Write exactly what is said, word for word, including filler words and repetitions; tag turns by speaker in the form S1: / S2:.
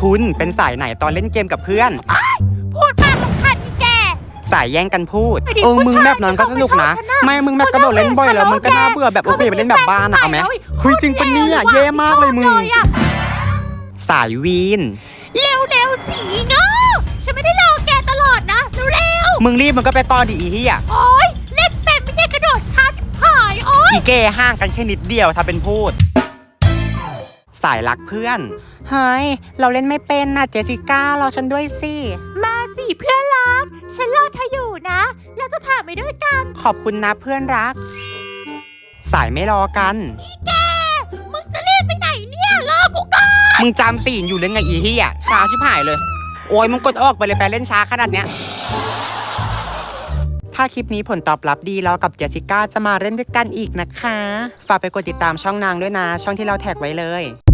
S1: คุณเป็นสายไหนตอนเล่นเกมกับเพื่อน
S2: พูดมากสำคัญนี่แก
S1: สายแย่งกันพูดเออมึงแบบนั้นก็สนุกนะไม่มึงแบบกระโดดเล่นบ่อยแล้วมึงก็น่าเบื่อแบบโอเคไปเล่นแบบบ้านอะเอาไหมคุยจริงปะเนี่ยเย่มากเลยมึงสายวีน
S2: เร็วเร็วสีเงาฉันไม่ได้รอแกตลอดนะเร็ว
S1: มึงรีบมึงก็ไปก่อนดิอีเหี้ย
S2: โอ๊ยเล่นเป็นไม่ใช่กระโดดช้าชิบหายโอ๊ย
S1: อีเก้ห่างกันแค่นิดเดียวถ้าเป็นพูดสายรักเพื่อนเฮ้ยเราเล่นไม่เป็นนะเจสสิก้ารอฉันด้วยสิ
S2: มาสิเพื่อนรักฉันรอเธออยู่นะแล้วจะผ่านไปด้วยกัน
S1: ขอบคุณนะเพื่อนรักสายไม่รอกัน
S2: อีแกมึงจะรีบไปไหนเนี่ยรอกูก่อน
S1: มึงจำสีนอยู่เรื่องไงอีเหี้ยช้าชิบหายเลยโอ้ยมึงกดออกไปเลยไปเล่นช้าขนาดเนี้ยถ้าคลิปนี้ผลตอบรับดีเรากับเจสสิก้าจะมาเล่นด้วยกันอีกนะคะฝากไปกดติดตามช่องนางด้วยนะช่องที่เราแท็กไว้เลย